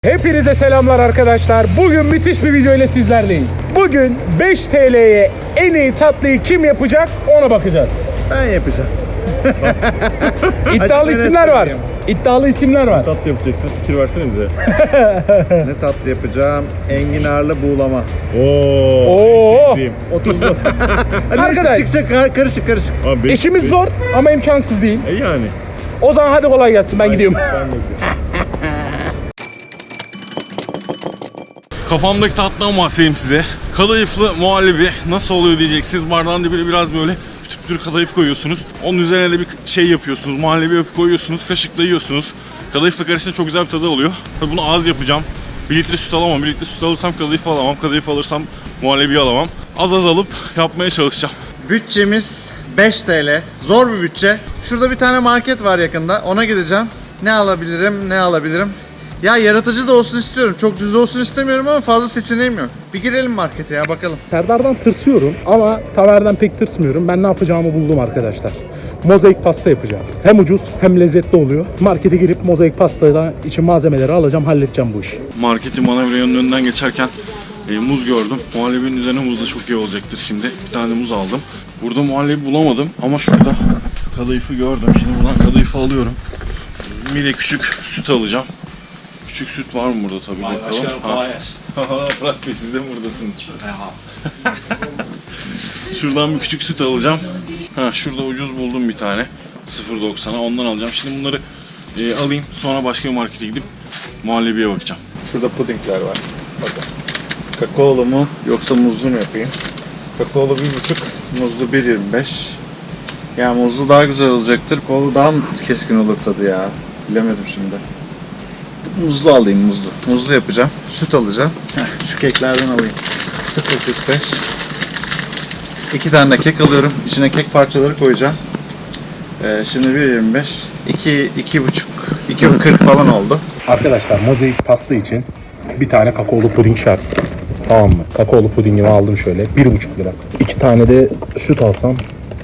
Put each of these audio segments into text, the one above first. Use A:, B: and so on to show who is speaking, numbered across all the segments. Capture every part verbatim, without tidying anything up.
A: Hepinize selamlar arkadaşlar. Bugün müthiş bir video ile sizlerleyiz. Bugün beş T L'ye en iyi tatlıyı kim yapacak ona bakacağız.
B: Ben yapacağım.
A: İddialı isimler var. İddialı isimler var.
C: Tatlı yapacaksın. Fikir versene bize.
B: Ne tatlı yapacağım? Enginarlı buğulama.
C: Oo.
A: Oo.
C: Sevdiğim.
B: otuzlu. Hadi
A: Arkadaş.
B: çıkacak kar- karışık karışık.
C: Abi beş-
A: İşimiz
C: beş-
A: zor ama imkansız değil.
C: E yani.
A: O zaman hadi kolay gelsin, ben gidiyorum.
C: Ben de gidiyorum. Kafamdaki tatlıdan bahsedeyim size. Kadayıflı muhallebi nasıl oluyor diyeceksiniz. Bardağın dibine biraz böyle pütür pütür kadayıf koyuyorsunuz. Onun üzerine de bir şey yapıyorsunuz. Muhallebi yapıp koyuyorsunuz. Kaşıkla yiyorsunuz. Kadayıfla karışınca çok güzel bir tadı oluyor. Tabii bunu az yapacağım. bir litre süt alamam. bir litre süt alırsam kadayıf alamam. Kadayıf alırsam muhallebi alamam. Az az alıp yapmaya çalışacağım.
B: Bütçemiz beş T L. Zor bir bütçe. Şurada bir tane market var yakında. Ona gideceğim. Ne alabilirim, ne alabilirim? Ya yaratıcı da olsun istiyorum. Çok düz olsun istemiyorum ama fazla seçeneğim yok. Bir girelim markete ya bakalım.
A: Serdar'dan tırsıyorum ama Tamer'den pek tırsmıyorum. Ben ne yapacağımı buldum arkadaşlar. Mozaik pasta yapacağım. Hem ucuz hem lezzetli oluyor. Markete girip mozaik pastayla için malzemeleri alacağım, halledeceğim bu işi.
C: Marketin manevranın önünden geçerken e, muz gördüm. Muhallebinin üzerine muz da çok iyi olacaktır şimdi. Bir tane muz aldım. Burada muhallebi bulamadım ama şurada kadayıfı gördüm. Şimdi buradan kadayıfı alıyorum. Bir de küçük süt alacağım. Küçük süt var mı burada tabii bakalım. Ha. Fırat Bey siz de mi buradasınız? Şuradan bir küçük süt alacağım. Ha, şurada ucuz buldum bir tane. sıfır doksana ondan alacağım. Şimdi bunları e, alayım. Sonra başka bir markete gidip muhallebiye bakacağım.
B: Şurada pudingler var. Bakın. Kakaolu mu yoksa muzlu mu yapayım? Kakaolu bir buçuk, muzlu bir yirmi beş. Ya muzlu daha güzel olacaktır. Kakaolu daha mı keskin olur tadı ya? Bilemedim şimdi. Muzlu alayım muzlu. Muzlu yapacağım. Süt alacağım. Heh, şu keklerden alayım. sıfır kırk beş. İki tane de kek alıyorum. İçine kek parçaları koyacağım. Ee, şimdi bir yirmi beş. iki, iki buçuk, iki kırk falan oldu.
A: Arkadaşlar mozaik pasta için bir tane kakaolu puding şart. Tamam mı? Kakaolu pudingimi aldım şöyle. Bir buçuk lira. İki tane de süt alsam.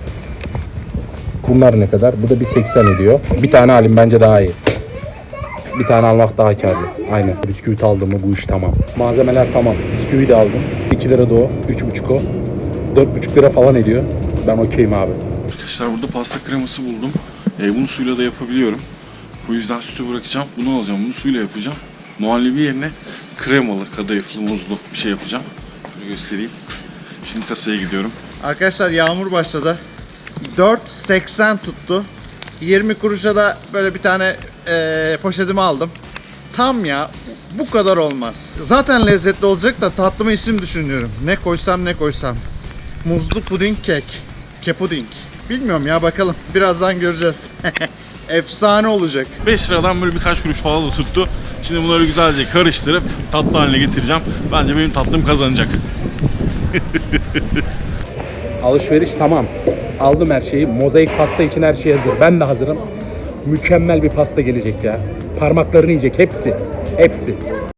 A: Bunlar ne kadar? Bu da bir seksen ediyor. Bir tane alayım, bence daha iyi. Bir tane almak daha karlı. Aynen. Bisküvit aldım mı bu iş tamam. Malzemeler tamam. Bisküvi de aldım. iki lira da o. üç buçuk o. dört buçuk lira falan ediyor. Ben okeyim abi.
C: Arkadaşlar burada pasta kreması buldum. E, bunu suyla da yapabiliyorum. Bu yüzden sütü bırakacağım. Bunu alacağım. Bunu suyla yapacağım. Muhallebi yerine kremalı, kadayıflı, muzlu bir şey yapacağım. Şöyle göstereyim. Şimdi kasaya gidiyorum.
B: Arkadaşlar yağmur başladı. dört seksen tuttu. yirmi kuruşa da böyle bir tane eee poşetimi aldım. Tam ya, bu kadar olmaz. Zaten lezzetli olacak da tatlıma isim düşünüyorum. Ne koysam ne koysam. Muzlu puding kek. Kepuding. Bilmiyorum ya, bakalım. Birazdan göreceğiz. Efsane olacak.
C: beş liradan böyle birkaç kuruş fazla tuttu. Şimdi bunları güzelce karıştırıp tatlı haline getireceğim. Bence benim tatlım kazanacak.
A: Alışveriş tamam. Aldım her şeyi. Mozaik pasta için her şey hazır. Ben de hazırım. Mükemmel bir pasta gelecek ya. Parmaklarını yiyecek hepsi. Hepsi.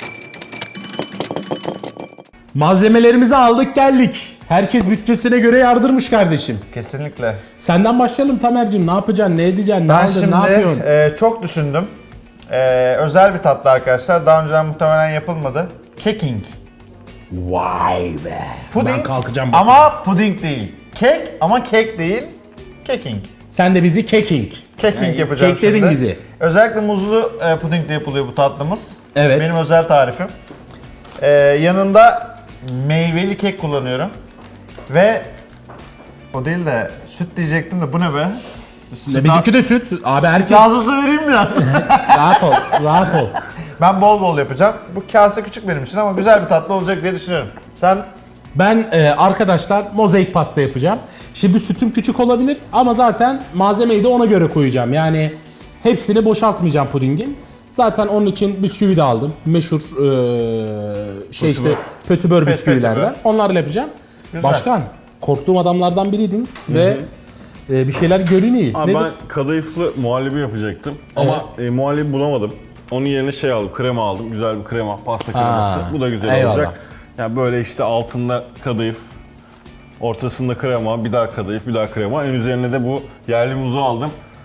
A: Malzemelerimizi aldık geldik. Herkes bütçesine göre yardırmış kardeşim.
B: Kesinlikle.
A: Senden başlayalım Tamer'cim. Ne yapacaksın? Ne edeceksin? Ne
D: Ben
A: aldın?
D: şimdi
A: Ne yapıyorsun?
D: e, çok düşündüm. E, özel bir tatlı arkadaşlar. Daha önceden muhtemelen yapılmadı. Keking.
A: Vay be.
D: Puding
A: Ben kalkacağım.
D: ama puding değil. Kek ama kek değil. Keking.
A: Sen de bizi keking.
D: Keking
A: Yani
D: yapacağım
A: kekledin
D: şimdi.
A: bizi.
D: Özellikle muzlu e, pudingle yapılıyor bu tatlımız.
A: Evet.
D: Benim özel tarifim. E, yanında meyveli kek kullanıyorum. Ve o değil de süt diyecektim de bu ne be? Süt
A: Bizimki de süt. Abi herkes
D: lazımsa vereyim biraz.
A: rahat ol. Rahat ol.
D: Ben bol bol yapacağım. Bu kase küçük benim için ama güzel bir tatlı olacak diye düşünüyorum. Sen?
A: Ben e, arkadaşlar mozaik pasta yapacağım. Şimdi sütüm küçük olabilir ama zaten malzemeyi de ona göre koyacağım. Yani hepsini boşaltmayacağım pudingin. Zaten onun için bisküvi de aldım. Meşhur e, şey işte pötibör bisküvilerden. Onlarla yapacağım.
D: Güzel.
A: Başkan, korktuğum adamlardan biriydin ve e, bir şeyler görünüyor.
C: Abi
A: Nedir?
C: ben kadayıflı muhallebi yapacaktım ama e, muhallebi bulamadım. Onun yerine şey aldım, krema aldım. Güzel bir krema, pasta kreması. Bu da güzel
A: eyvallah.
C: olacak. Yani böyle işte altında kadayıf, ortasında krema, bir daha kadayıf, bir daha krema. En üzerine de bu yerli muzu aldım.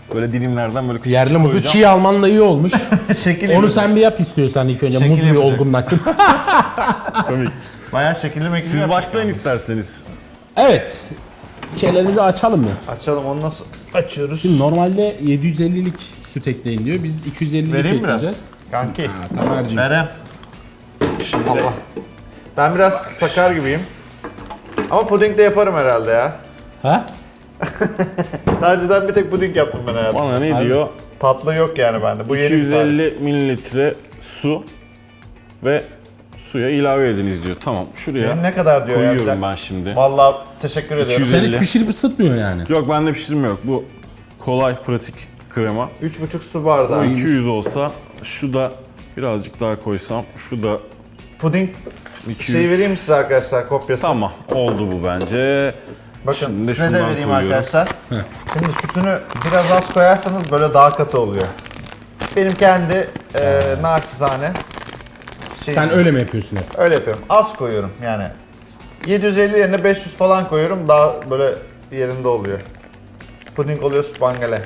C: Böyle dilimlerden böyle küçük
A: Yerli
C: küçük
A: muzu
C: koyacağım.
A: çiğ alman da iyi olmuş.
D: Şekil
A: Onu sen bir yap istiyorsan ilk önce.
D: Şekil
A: Muz bir
D: yapacak.
A: olgunlaşsın.
C: Komik.
D: Bayağı şekilli mekili
C: Siz
D: yaptık
C: başlayın
D: yani.
C: isterseniz.
A: Evet. Şeylerimizi açalım mı?
D: Açalım, onu nasıl açıyoruz?
A: Şimdi normalde yedi yüz ellilik süt ekleyin diyor. Biz iki yüz ellilik
D: Vereyim biraz.
A: ekleyeceğiz.
D: Kanki.
A: Tamer'cim.
D: Verem. Şimdi Allah. Ben biraz sakar gibiyim. Ama puding de yaparım herhalde ya.
A: Ha?
D: Daha önceden bir tek puding yaptım ben herhalde.
C: Bana ne diyor?
D: Tatlı yok yani bende. Bu yeni
C: iki yüz
D: bir tarif.
C: elli mililitre su ve suya ilave ediniz diyor. Tamam, şuraya
D: Benim ne kadar diyor ya?
C: koyuyorum
D: Bir dakika.
C: ben şimdi.
D: Vallahi teşekkür ediyorum.
C: iki yüz
A: Sen
C: elli.
A: hiç pişirip ısıtmıyor yani.
C: Yok, bende pişirme yok. Bu kolay, pratik krema.
D: üç buçuk su bardağı.
C: iki yüz olsa, şu da birazcık daha koysam, şu da
D: Puding
C: iki yüz.
D: şey vereyim mi size arkadaşlar, kopyası?
C: Tamam, oldu bu bence.
D: Bakın
C: Şimdi
D: size de
C: şundan
D: vereyim
C: koyuyorum.
D: arkadaşlar. Şimdi sütünü biraz az koyarsanız böyle daha katı oluyor. Benim kendi e, naçizane şeyim.
A: Sen öyle mi yapıyorsun hep?
D: Öyle yapıyorum. Az koyuyorum yani. yedi yüz elli yerine beş yüz falan koyuyorum. Daha böyle yerinde oluyor. Puding oluyor spangale.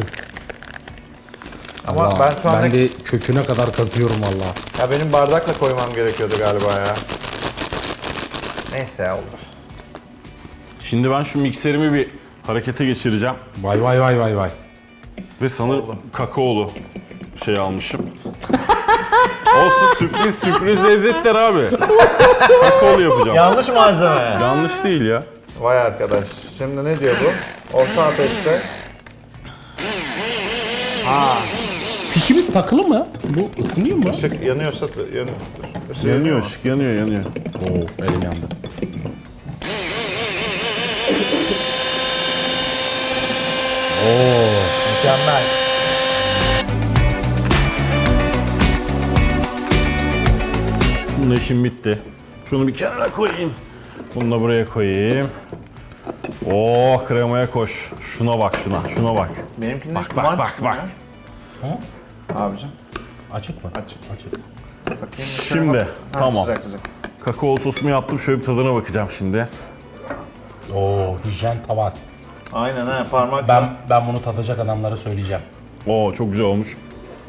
D: Ama
A: Allah,
D: ben şu anda
A: Ben de köküne kadar kazıyorum valla.
D: ya benim bardakla koymam gerekiyordu galiba ya. Neyse ya, olur.
C: Şimdi ben şu mikserimi bir harekete geçireceğim.
A: Vay vay vay vay vay.
C: Ve sanırım kakaolu şey almışım. Olsun, sürpriz sürpriz lezzetler abi. Kakaolu yapacağım.
D: Yanlış malzeme.
C: Yanlış değil ya.
D: Vay arkadaş. Şimdi ne diyor bu? Orta ateşte.
A: Fişimiz takılı mı? Bu ısınıyor mu?
D: Işık yanıyorsa yanıyor. Işığı
C: Yanıyor,
D: mu?
C: ışık yanıyor, yanıyor.
A: Oo, elim yandı. Oo.
D: Mükemmel.
C: Bunun işim bitti. Şunu bir kenara koyayım. Bunu da buraya koyayım. Oh, kremaya koş. Şuna bak, şuna, şuna bak.
D: Benimkinde
C: Bak,
D: duman
C: bak, bak,
D: çıkmıyor.
C: bak.
D: Abicim.
A: Açık mı?
D: Açık.
A: Açık.
D: Bakayım.
C: Şimdi,
D: Ha,
C: tamam.
D: Sıcak sıcak.
C: Kakao sosumu yaptım. Şöyle bir tadına bakacağım şimdi.
A: Oo, hijyen tavan.
D: Aynen ha, parmak.
A: Ben ben bunu tadacak adamlara söyleyeceğim.
C: Oo, çok güzel olmuş.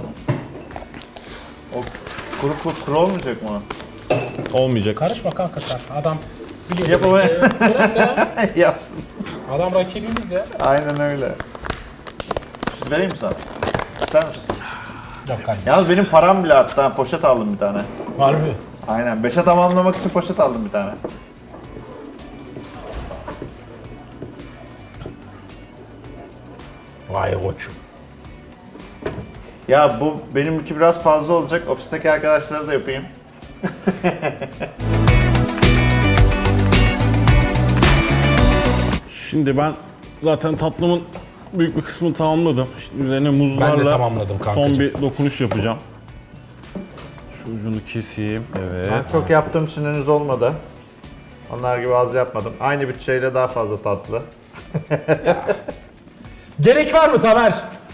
D: O kuru kuru, kuru olmayacak mı?
C: Olmayacak.
A: Karışma kanka sen. Adam biliyor.
D: Yap ama.
A: Ee, bırak ya.
D: Yapsın.
A: Adam rakibimiz ya.
D: Aynen öyle. Vereyim mi sana? İster misin?
A: Yok kanka.
D: Yalnız benim param bile arttı ha. Poşet aldım bir tane.
A: Harbi.
D: Aynen. Beşe tamamlamak için poşet aldım bir tane.
A: Vay koçum.
D: Ya bu benimki biraz fazla olacak. Ofisteki arkadaşlara da yapayım.
C: Şimdi ben zaten tatlımın büyük bir kısmını tamamladım. Şimdi üzerine muzlarla
A: tamamladım kankacığım.
C: son bir dokunuş yapacağım. Şu ucunu keseyim. Evet.
D: Ben çok yaptığım için henüz olmadı. Onlar gibi az yapmadım. Aynı bütçeyle daha fazla tatlı.
A: Gerek var mı Tamer?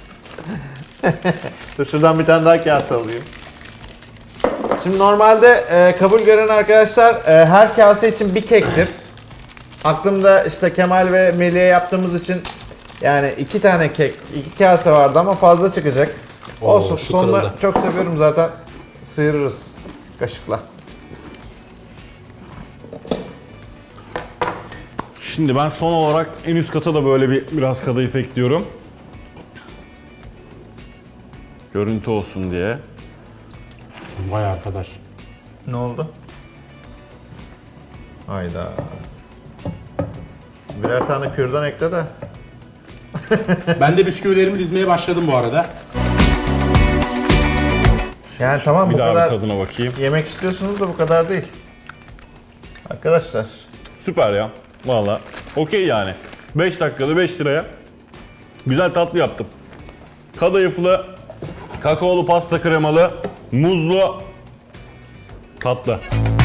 D: Dur şuradan bir tane daha kase alayım. Şimdi normalde e, kabul gören arkadaşlar e, her kase için bir kektir. Aklımda işte Kemal ve Melih'e yaptığımız için yani iki tane kek, iki kase vardı ama fazla çıkacak.
A: Oo,
D: Olsun,
A: şu
D: sonunda
A: kırıldı.
D: çok seviyorum zaten. Sıyırırız kaşıkla.
C: Şimdi ben son olarak en üst kata da böyle bir biraz kadayıf ekliyorum. Görüntü olsun diye.
A: Vay arkadaş.
D: Ne oldu? Hayda. Birer tane kürdan ekle de.
A: Ben de bisküvilerimi dizmeye başladım bu arada.
D: Yani tamam
C: Bir
D: bu
C: daha
D: kadar
C: bir tadına bakayım.
D: yemek istiyorsunuz da bu kadar değil. Arkadaşlar.
C: Süper ya. Valla. Okey yani. beş dakikada beş liraya güzel tatlı yaptım. Kadayıflı, kakaolu pasta kremalı, muzlu tatlı.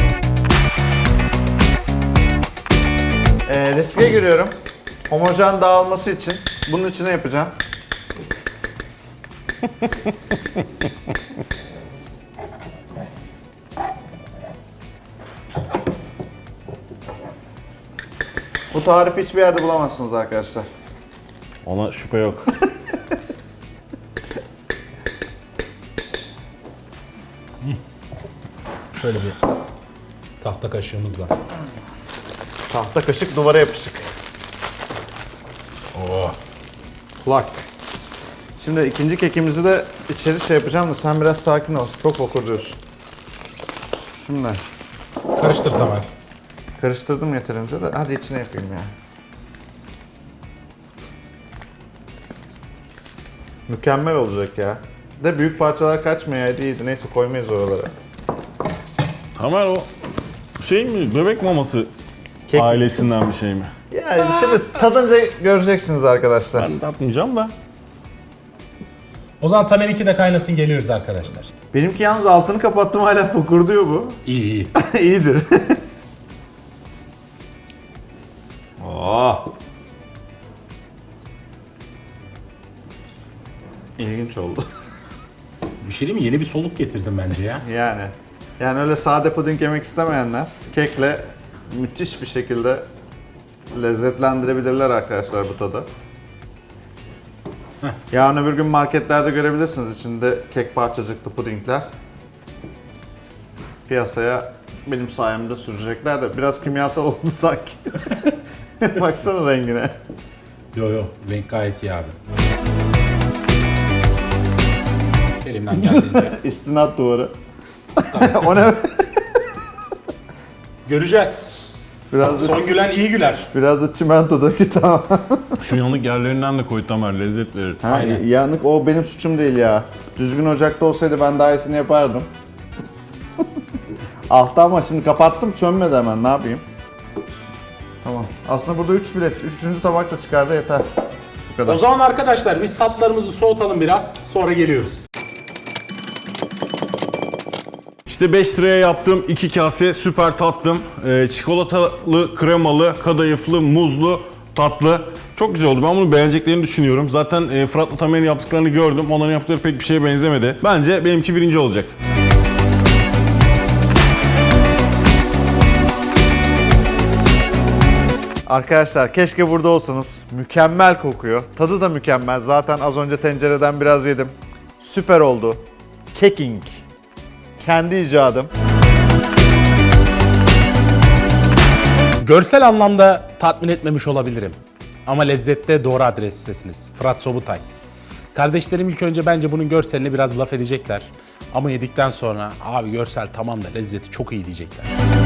D: Ee, riske giriyorum. Homojen dağılması için bunun içine yapacağım. Bu tarifi hiçbir yerde bulamazsınız arkadaşlar.
C: Ona şüphe yok.
A: Şöyle bir tahta kaşığımızla.
D: Tahta kaşık duvara yapışık.
A: Oh.
D: Kulak. Şimdi ikinci kekimizi de içeri şey yapacağım da sen biraz sakin ol. Çok fokur diyorsun. Şimdi
A: Karıştır Tamer.
D: karıştırdım yeterince de hadi içine yapayım ya. Mükemmel olacak ya. De büyük parçalar kaçmayaydı iyiydi. Neyse koymayız oralara.
C: Tamer o şey mi? Bebek maması
D: Kek.
C: ailesinden bir şey mi?
D: Yani şimdi tadınca göreceksiniz arkadaşlar.
C: Ben tatmayacağım da.
A: O zaman Tamer'inki de kaynasın, geliyoruz arkadaşlar.
D: Benimki yalnız altını kapattım hala fokurduyor bu.
A: İyi iyi.
D: İyidir. Oh. İlginç oldu.
A: Bir şey değil mi? Yeni bir soluk getirdim bence ya.
D: Yani. Yani öyle sade puding yemek istemeyenler kekle müthiş bir şekilde lezzetlendirebilirler arkadaşlar bu tadı. Yarın öbür gün marketlerde görebilirsiniz içinde kek parçacıklı pudingler. Piyasaya benim sayemde sürecekler de biraz kimyasal oldu sanki. Baksana rengine.
A: Yo yo, renk gayet iyi abi. Elimden geldiğince.
D: İstinat duvarı. O ne?
A: Göreceğiz.
D: Biraz da,
A: Son gülen iyi güler.
D: biraz da çimento dökü tamam.
C: Şu yanık yerlerinden de koy Tamer, lezzet verir.
D: Ha,
A: Aynen.
D: yanık o benim suçum değil ya. Düzgün ocakta olsaydı ben daha iyisini yapardım. Altta ama şimdi kapattım sönmedi hemen ne yapayım. Tamam. Aslında burada üç bilet. Üçüncü tabak da çıkardı yeter. Bu kadar.
A: O zaman arkadaşlar biz tatlarımızı soğutalım biraz, sonra geliyoruz.
C: İşte beş liraya yaptığım iki kase süper tatlım. Ee, çikolatalı, kremalı, kadayıflı, muzlu tatlı. Çok güzel oldu. Ben bunu beğeneceklerini düşünüyorum. Zaten e, Fırat'la Tamer'in yaptıklarını gördüm. Onların yaptıkları pek bir şeye benzemedi. Bence benimki birinci olacak.
D: Arkadaşlar keşke burada olsanız. Mükemmel kokuyor. Tadı da mükemmel. Zaten az önce tencereden biraz yedim. Süper oldu. Keking. Kendi icadım.
A: Görsel anlamda tatmin etmemiş olabilirim. Ama lezzette doğru adrestesiniz. Fırat Sobutay. Kardeşlerim ilk önce bence bunun görselini biraz laf edecekler. Ama yedikten sonra abi görsel tamam da lezzeti çok iyi diyecekler.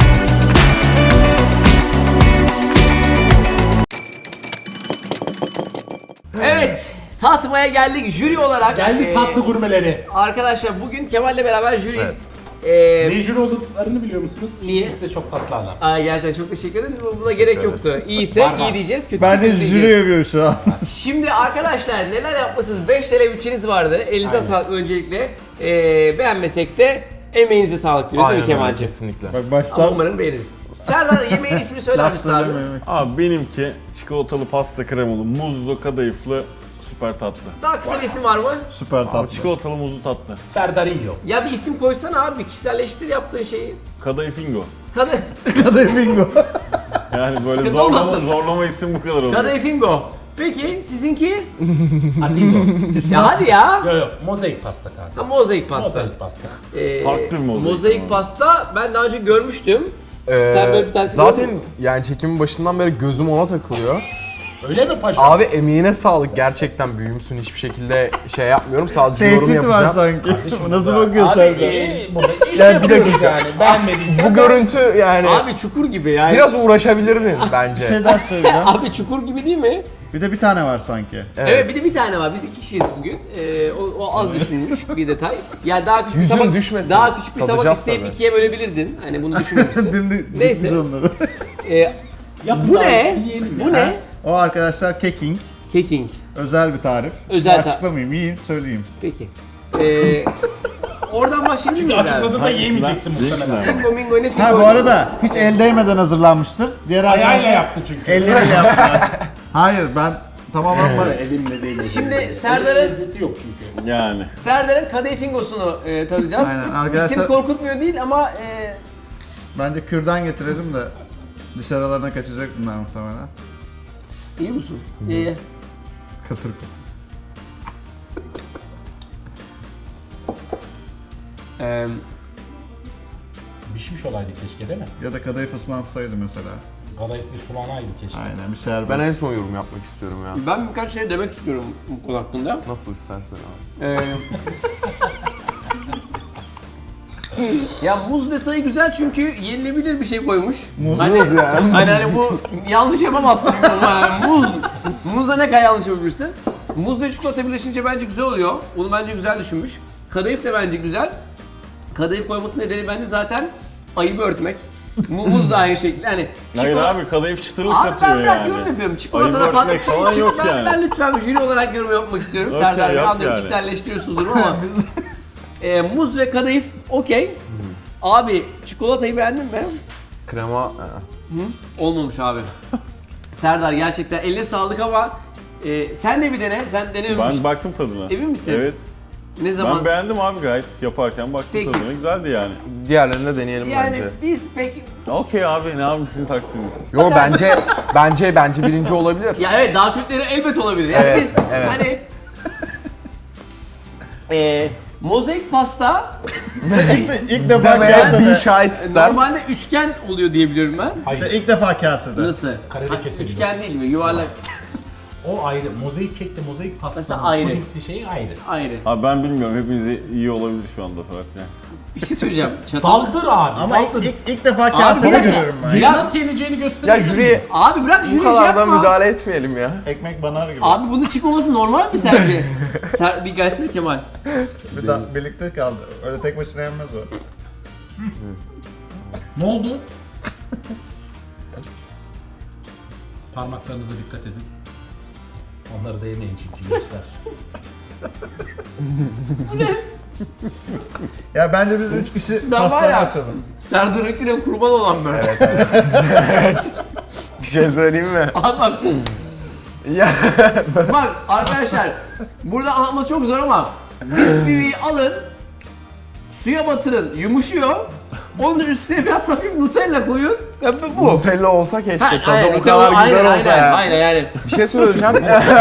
E: Evet, tatmaya geldik jüri olarak.
A: Geldik
E: Ee,
A: tatlı gurmeleri.
E: Arkadaşlar bugün Kemal'le beraber jüriyiz. Ee,
A: Ne jüri olduklarını biliyor musunuz?
E: Niye?
A: İkisi de çok tatlı adam.
E: Aa, gerçekten çok teşekkür ederim. Buna gerek yoktu. İyiyse
A: Var, var.
E: iyi diyeceğiz, kötüyse
D: Bence
E: kötü
D: jüri
E: diyeceğiz.
D: yapıyor şu an.
E: Şimdi arkadaşlar neler yapmışsınız? beş T L bütçeniz vardı. Elinize
A: Aynen.
E: sağlık öncelikle. Ee, beğenmesek de emeğinize sağlık diyoruz değil mi Kemal'ciğim?
F: kesinlikle.
D: Bak
E: Ama
D: baştan
E: umarım beğeniriz. Serdar yemeğin ismini söyler misin abi?
C: Abi benimki çikolatalı pasta kremalı, muzlu, kadayıflı, süper tatlı.
E: Daha kısa bir isim var mı?
D: Süper
C: Abi
D: tatlı.
C: çikolatalı muzlu tatlı.
A: Serdarinho.
E: Ya bir isim koysana abi, bir kişiselleştir yaptığın şeyi.
C: Kadayıfingo.
E: Kadın,
D: Kadayıf bingo.
C: Yani böyle
E: Sıkıntı
C: zorlama,
E: olmasın.
C: zorlama isim bu kadar olur.
E: Kadayıfingo. Peki sizinki?
A: Adingo.
E: Ya hadi ya.
A: Yo yo, mozaik pasta kanka.
E: Ha, mozaik pasta.
A: Mozaik pasta.
E: Ee,
C: Farklı bir mozaik
E: mozaik
C: ama.
E: pasta ben daha önce görmüştüm.
F: Ee,
E: Sen böyle bir tanesini
F: zaten
E: gördün mü?
F: yani çekimin başından beri gözüm ona takılıyor.
A: Öyle mi paşa?
F: Abi emeğine sağlık, gerçekten büyümsün, hiçbir şekilde şey yapmıyorum, sadece yorum
D: Tehdit var
F: yapacağım.
D: sanki. Nasıl
A: Burada-
D: bakıyor
A: Abi,
D: Serdar?
A: e, burada iş
F: Ya bir
A: yapıyoruz
F: dakika.
A: yani. Beğenmediysen
F: Bu görüntü yani
E: Abi çukur gibi yani.
F: biraz uğraşabilirdin bence.
D: Bir şey daha söyleyeceğim.
E: Abi çukur gibi değil mi?
D: Bir de bir tane var sanki.
E: Evet. bir de bir tane var. Biz iki kişiyiz bugün. Ee, o, o az düşünülmüş bir detay. Yani daha küçük
F: Yüzün
E: bir tabak,
F: düşmesin.
E: daha küçük bir tabak
F: Tadacağız
E: isteyip
F: tabii.
E: ikiye bölebilirdin. Hani bunu düşünmemişsin.
D: Dimdik
E: Neyse.
D: dikmiş onları.
E: Ee,
A: Ya
E: bu ne?
A: yiyelim
E: Bu ne?
D: O arkadaşlar keking.
E: Keking.
D: Özel bir tarif.
E: Özel
D: Şimdi
E: ta-
D: açıklamayayım, yiyin söyleyeyim.
E: Peki. Ee, oradan başlayalım mı?
A: Açıkladığında yiyemeyeceksin muhtemelen.
E: Fingo mingo ne fingo?
D: Ha bu arada hiç el değmeden hazırlanmıştır. Diğer
A: Ayağıyla
D: arkadaşlar
A: yaptı çünkü.
D: elleriyle yaptılar. Hayır ben tamamen var.
A: Elimle değil.
E: Şimdi Serdar'ın
A: Lezzeti yok çünkü.
C: Yani.
E: Serdar'ın kadayıf fingosunu e, tadacağız.
D: Aynen, arkadaşlar-
E: İsim korkutmuyor değil ama e,
D: Bence kürdan getirelim de dışarılarına kaçacak bunlar muhtemelen.
E: iyi musun? E,
D: Kıtır kıtır.
E: e,
A: pişmiş olaydı keşke değil mi?
B: Ya da kadayıf ıslansaydı mesela.
A: Kadayıf bir sulanaydı keşke.
B: Aynen bir şerbet.
F: Ben en son yorum yapmak istiyorum ya.
E: Ben birkaç şey demek istiyorum bu konu hakkında.
F: Nasıl istersen abi.
E: Ee, ya muz detayı güzel çünkü yenilebilir bir şey koymuş. Muz hani,
F: Muz ya.
E: hani, hani bu yanlış yapamazsın. Yani muz. Muzla ne kadar yanlış yapabilirsin? Muz ve çikolata birleşince bence güzel oluyor. Bunu bence güzel düşünmüş. Kadayıf da bence güzel. Kadayıf koyması nedeni bence zaten ayıbı örtmek. Mu- Muz da aynı şekilde. Hani
C: Hayır
E: çikolata-
C: abi kadayıf çıtırlık
E: Abi
C: katıyor
E: ben bırak
C: yani.
E: yorum yapıyorum.
C: Ayıbı
E: Çikolata da
C: örtmek falan yok
E: ben,
C: yani.
E: ben lütfen jüri olarak yorum yapmak istiyorum.
C: Okey,
E: Serdar Bey
C: yap
E: anlıyorum
C: yani.
E: kişiselleştiriyorsunuz ama. e, muz ve kadayıf okey. Abi çikolatayı beğendin mi?
F: Krema... e,
E: Olmamış abi. Serdar gerçekten eline sağlık ama e, sen de bir dene. Sen denememiştin.
C: Ben baktım tadına.
E: Emin misin?
C: Evet.
E: Ne zaman?
C: Ben beğendim abi gayet yaparken baktım
E: Peki.
C: tadına güzeldi yani.
F: Diğerlerini de deneyelim
E: yani
F: bence.
E: biz peki...
C: Okey abi ne yapayım sizin takdiniz.
F: Yo bence bence bence birinci olabilir.
E: Ya evet daha kötüleri elbet olabilir. Yani
F: Evet,
E: biz
F: evet.
E: hani... e, mozaik pasta
B: İlk defa
F: Demeye bir
B: kasede.
F: şahit ister.
E: normalde üçgen oluyor diye biliyorum ben.
A: Hayır.
B: İlk defa kasede.
E: Nasıl?
A: Kareli
E: Ha,
A: keselim.
E: üçgen değil mi? Yuvarlak.
A: O ayrı. Mozaik kekle mozaik pastanın
E: Mesela ayrı.
A: pudingli şeyi ayrı.
E: Ayrı.
C: Abi ben bilmiyorum hepiniz iyi olabilir şu anda Fırat yani.
E: Bir şey söyleyeceğim. Çatal.
A: Daldır abi.
B: Ama ilk,
A: daldır.
B: ilk, ilk defa
E: bir
B: kasede
E: dakika.
B: görüyorum ben.
A: Bir
E: Ya-
A: nasıl yeneceğini
F: Ya
A: gösterebilir
F: jüriye
E: Abi bırak
F: bu
E: jüri şey
F: kadar da
E: yapma.
F: müdahale etmeyelim ya.
B: Ekmek banar gibi.
E: Abi bunun çıkmaması normal mi sence? Sen bir gelsene Kemal.
B: Bir daha birlikte kaldı. Öyle tek başına yenmez o.
A: Ne oldu? Parmaklarınıza dikkat edin. Onları da yemeyin çünkü gençler.
B: Ya bence biz üç kişi
E: Ben var
B: pastayı
E: ya-
B: açalım.
E: Serdar Ökü'ne kurban olan ben.
F: Bir şey söyleyeyim mi?
E: Abi bak,
F: Ya
E: bak arkadaşlar burada anlatması çok zor ama bisküviyi alın, suya batırın, yumuşuyor. Onun üstüne biraz hafif Nutella koyun. Ya bu- bu.
F: Nutella olsa keşke
E: Ha,
F: tadı
E: aynen,
F: o
E: Nutella-
F: kadar güzel
E: aynen,
F: olsa
E: aynen,
F: ya.
E: Aynen yani.
F: Bir şey söyleyeceğim.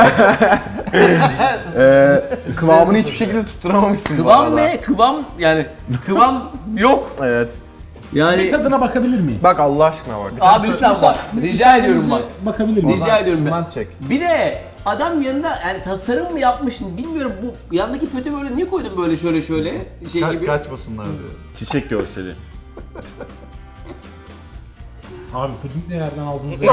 F: ee, kıvamını hiçbir şekilde tutturamamışsın bu
E: Kıvam
F: arada.
E: ne? Kıvam yani kıvam yok.
F: Evet.
A: Bir
E: Yani
A: tadına bakabilir miyim?
F: Bak Allah aşkına bak.
E: abi lütfen bak. Rica ediyorum bak.
A: Bakabilir miyim?
E: Rica ediyorum ben.
B: Şundan çek.
E: Bir de adam yanında yani tasarım mı yapmışsın bilmiyorum bu yandaki pötü böyle niye koydun böyle şöyle şöyle şey
B: Ka-
E: gibi.
B: kaçmasınlar diyor.
C: Çiçek görseli.
A: Abi puding ne yerden aldığınızı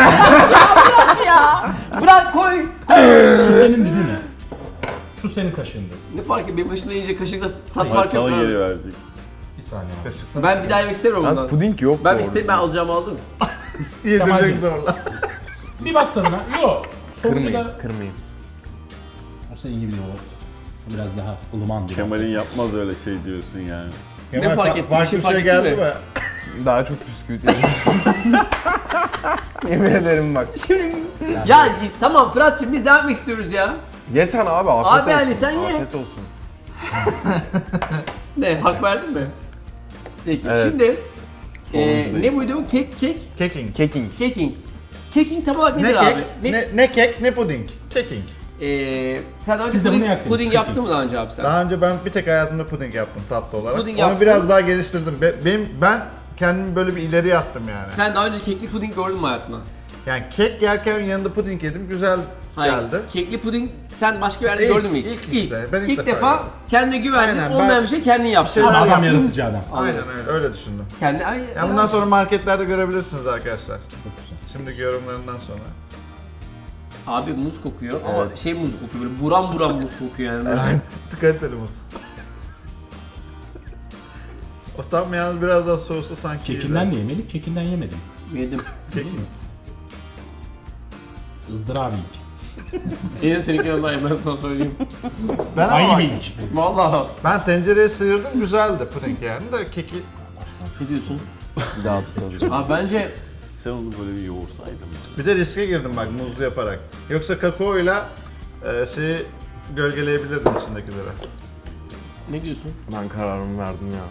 E: Ya bırak koy.
A: Şu senin değil mi? Şu senin kaşığındı.
E: Ne fark ediyor? Benim başına yiyince kaşıkla tat
C: Ama
E: fark
C: sana
E: yok.
C: geri verecek.
A: Bir saniye abi.
B: Kaşıkla
E: Ben bir daha yemek istemiyorum
F: Lan
E: bundan.
F: puding yok
E: Ben
F: doğru
E: isteyip ben alacağımı aldım.
B: yedirecek
A: Kemal'cim.
B: zorla.
A: Bir bak tadına. Yok. Sonunda
F: Kırmayayım,
A: da...
F: kırmayayım.
A: O senin gibi değil o. Biraz daha ılıman diyor.
C: Kemal'in yapmaz öyle şey diyorsun yani.
B: Kemal,
E: fark
B: fa-
E: etti?
B: Farklı
E: Bir şey
B: bir
E: fark
B: şey
E: etti
B: geldi
E: mi?
B: mi?
F: Daha çok bisküvit yedim. Yemin ederim bak.
E: Ya biz, tamam Fırat'cığım biz devam etmek istiyoruz ya.
F: Ye sen abi afiyet
E: Abi
F: olsun.
E: yani sen ye.
F: Afiyet olsun.
E: Ne hak verdin mi? Peki
F: Evet.
E: şimdi e,
F: Sonuncudayız.
E: ne buydu? Kek kek
B: Keking.
F: Keking.
E: keking. Keking tam olarak
B: Ne
E: nedir
B: kek,
E: abi? Ne,
B: ne, ne kek, ne puding. Keking.
E: Ee, sen daha önce
A: Siz de bunu
E: puding,
A: yersiniz,
E: puding
A: keking.
E: yaptın mı daha önce abi sen?
B: Daha önce ben bir tek hayatımda puding yaptım tatlı olarak.
E: Puding
B: Onu
E: yaptın.
B: biraz daha geliştirdim. Be- Benim ben kendimi böyle bir ileriye attım yani.
E: Sen daha önce kekli puding gördün mü hayatında?
B: Yani kek yerken yanında puding yedim. Güzel
E: Hayır.
B: geldi.
E: Kekli puding sen başka bir yerde
B: İlk-
E: gördün mü hiç?
B: ilk işte, ben ilk
E: ilk
B: defa
E: defa
B: gördüm.
E: kendine güvendin,
B: Aynen,
E: olmayan
B: ben-
E: bir şey kendin yaptın.
B: şeyler
A: Ama adam
B: yaptım.
A: yaratıcı adam.
B: Aynen öyle, öyle düşündüm.
E: Kendi, ay,
B: Yani bundan sonra marketlerde görebilirsiniz arkadaşlar. Şimdiki yorumlarından sonra.
E: Abi muz kokuyor ama şey muz kokuyor böyle buram buram muz kokuyor yani. Böyle.
B: Kaliteli muz. O tam yalnız biraz daha soğusa sanki
A: Kekinden
B: iyiydi.
A: de yemedik, kekinden yemedim.
E: Yedim.
A: Değil mi? Izdırabı ilk.
E: Yine seninki yanındayım ben sana söyleyeyim.
B: Ben ama
A: Aynı
B: bak,
A: ilk.
E: Vallahi.
B: ben tencereye sıyırdım güzeldi puding yani de keki
E: Ne diyorsun?
F: Bir daha tutacağım.
E: Abi bence
C: Sen onu böyle bir yoğursaydın.
B: bir de riske girdim bak muzlu yaparak. Yoksa kakaoyla e, şeyi gölgeleyebilirdim içindekileri.
E: ne diyorsun?
F: Ben kararımı verdim ya.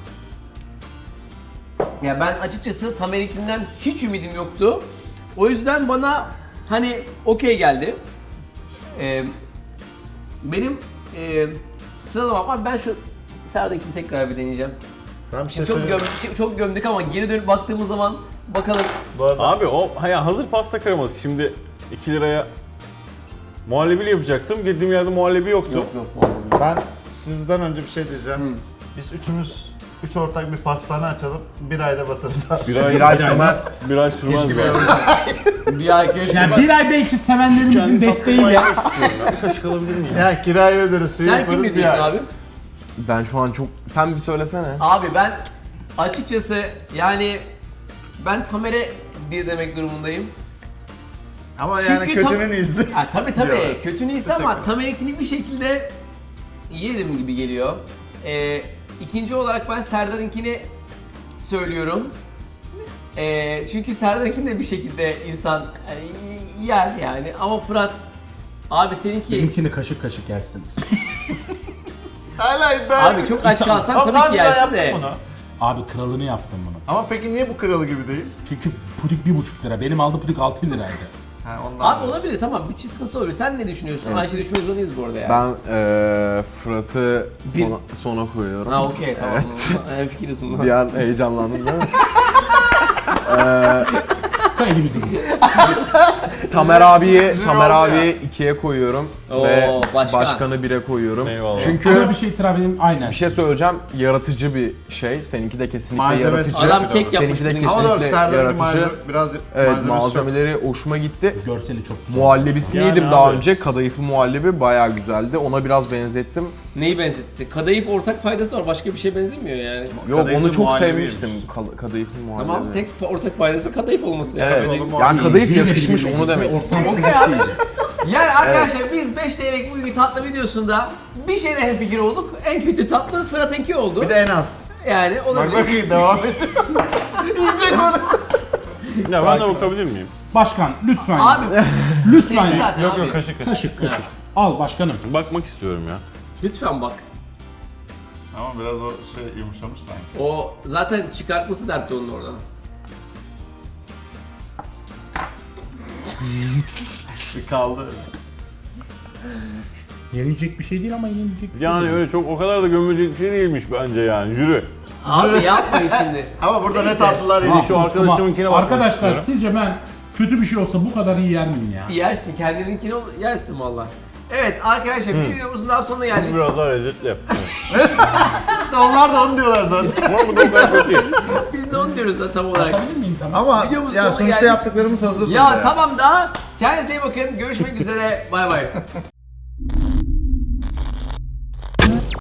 E: Ya ben açıkçası Tamerik'inden hiç ümidim yoktu. O yüzden bana hani okey geldi. Ee, benim e, sıralamam var. Ben şu Serdar'ınkini tekrar bir deneyeceğim.
D: Ben bir şey
E: Çok,
D: söyleyeyim.
E: göm, şey- çok gömdük ama geri dönüp baktığımız zaman bakalım.
D: Bu arada
C: Abi o ya hazır pasta kreması şimdi iki liraya muhallebili yapacaktım. Girdiğim yerde muhallebi yoktu.
E: Yok yok.
D: ben sizden önce bir şey diyeceğim. Biz üçümüz üç ortak bir pastane açalım. Bir ayda batırız abi.
C: Bir ay,
F: Bir ay sürmez.
C: bir ay sürmez.
F: Keşke
C: yani.
E: Bir ay keşke.
A: Yani bir ay belki sevenlerimizin
C: Kendi
A: desteğiyle.
C: tatlıma yemek istiyorum ya. Bir kaşık alabilir miyim?
D: Ya kirayı öderiz. suyu
E: Sen
D: yaparız,
E: kim
D: bir
E: biliyorsun
D: ay.
E: abi?
F: Ben şu an çok... Sen bir söylesene.
E: Abi ben açıkçası yani ben Tamer'e bir demek durumundayım.
D: Ama
E: Çünkü
D: yani kötünün
E: tam-
D: iyisi.
E: Ha, tabii tabii
D: Diyorlar.
E: kötü iyisi ama Tamer'inkini bir şekilde yerim gibi geliyor. Ee, ikinci olarak ben Serdar'ınkini söylüyorum. Ee, çünkü Serdar'ınkini de bir şekilde insan e, yer yani ama Fırat abi seninki
A: Benimkini kaşık kaşık yersiniz.
D: Hala iddia.
E: abi çok aç kalsan
D: Ama
E: tabii
D: daha
E: ki
D: önce ben
E: yersin
D: yaptım
E: de.
D: bunu.
A: Abi kralını yaptım bunu.
D: Ama peki niye bu kralı gibi değil?
A: Çünkü pudik bir buçuk lira. Benim aldığım pudik altı liraydı.
D: Ha, ondan
E: Abi
D: diyorsun.
E: olabilir tamam bir çiz sıkıntısı olabilir. Sen ne düşünüyorsun? Ayşe düşünmek zorundayız bu arada yani.
F: Ben eee Fırat'ı
E: Bir-
F: sona, sona koyuyorum.
E: Ha okey tamam.
F: Evet.
E: Evet. Fikiriz bundan.
F: Bir an heyecanlandım değil mi?
A: Kaydı bir durum.
F: Tamer abiyi Tamer abiyi ikiye koyuyorum
E: Oo,
F: ve
E: başkan.
F: başkanı bire koyuyorum.
C: Eyvallah.
F: Çünkü
A: Ama bir şey itiraf edeyim aynen.
F: bir şey söyleyeceğim, yaratıcı bir şey. Seninki de kesinlikle
D: Malzemesi
F: yaratıcı.
D: çok
E: Adam
D: bir
E: kek
D: de.
E: yapmış.
F: Seninki de
E: benim.
D: Ama doğru
F: kesinlikle
D: Serdar'ın
F: yaratıcı.
D: malzeme, biraz
F: Evet,
D: malzemesi çok.
F: malzemeleri hoşuma gitti.
A: Görseli çok güzel.
F: Muhallebisini
C: Yani
F: yedim daha
C: abi.
F: önce. Kadayıflı muhallebi bayağı güzeldi. Ona biraz benzettim.
E: Neyi benzetti? Kadayıf ortak faydası var. Başka bir şey benzemiyor yani.
F: Yok,
D: Kadayıflı
F: onu çok
D: muhallebiymiş.
F: sevmiştim. Ka- kadayıflı muhallebi.
E: Tamam tek ortak faydası kadayıf olması yani.
F: Evet.
E: Böyle-
F: Yani kadayıf
A: Yine
F: yakışmış,
A: birbirine
F: onu demek
A: gitti.
F: istiyorum.
A: Ortam
E: Okey abi.
A: iyice.
E: Yani arkadaşlar biz beş T L'lik bugünkü tatlı videosunda bir şeyde hemfikir olduk. En kötü tatlı Fırat'ınki oldu.
D: Bir de en az.
E: Yani
D: Bak
E: olabilir.
D: bakayım devam et. Yiyecek onu.
C: Ya ben de bakabilir miyim?
A: Başkan lütfen.
E: Abi
A: lütfen.
E: senin
A: ya.
E: zaten
C: Yok
E: abi.
C: yok kaşık kaşık.
A: Kaşık kaşık. Al başkanım.
C: Bakmak istiyorum ya.
E: Lütfen bak.
D: Ama biraz o şey yumuşamış sanki.
E: O zaten çıkartması dertti onun oradan.
D: Bir kaldı.
A: Yenilecek bir şey değil ama yenilecek bir şey
C: Yani
A: değil.
C: öyle çok o kadar da gömülecek bir şey değilmiş bence yani. Jüri.
E: Abi yapmayın şimdi.
D: Ama burada ne
E: Neyse.
D: tatlılar
C: Bir
D: yedik.
C: şu arkadaşımınkine bakmak
A: Arkadaşlar
C: istiyorum.
A: sizce ben kötü bir şey olsa bu kadar iyi yer miyim ya?
E: Yersin kendininkini ol- yersin valla. Evet arkadaşlar bir videomuzun daha sonuna geldik.
C: Biraz daha lezzetli.
D: İşte onlar da onu diyorlar zaten.
C: Ama bu da o kadar kötü değil.
E: Biz de onu diyoruz zaten tam olarak.
A: Bakabilir miyim tamam?
D: Ama
E: Videomuzun
D: ya
E: sonuna
D: sonuçta
E: geldik.
D: yaptıklarımız hazır.
E: Ya tamam da kendinize iyi bakın. Görüşmek üzere. Bay bay.